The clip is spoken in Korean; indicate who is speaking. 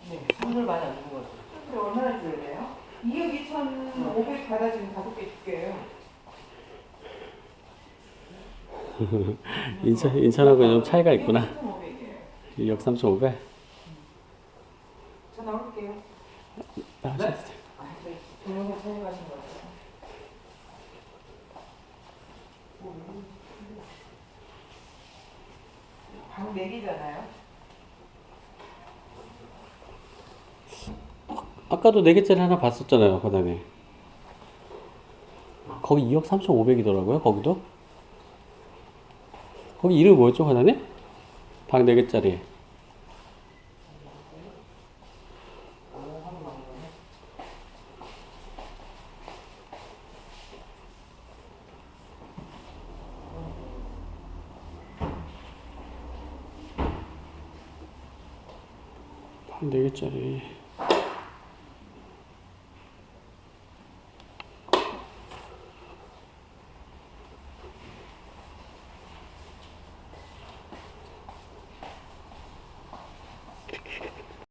Speaker 1: 네, 선물 많이 안 주는 것 같아요.
Speaker 2: 근데 얼마나 줘야 돼요? 2억 2,500 받아주면 5개 줄게요.
Speaker 3: 인천하고 좀 차이가 있구나.
Speaker 2: 2억
Speaker 3: 2억 3,500.
Speaker 2: 저 나올게요.
Speaker 3: 나오셔도 돼요.
Speaker 2: 동영상 촬영하신 거 같아요. 방 4개잖아요.
Speaker 3: 아까도 4개짜리 하나 봤었잖아요, 과장님. 거기 2억 3,500이더라고요, 거기도. 거기 이름이 뭐였죠, 과장님? 방 4개짜리. 방 4개짜리.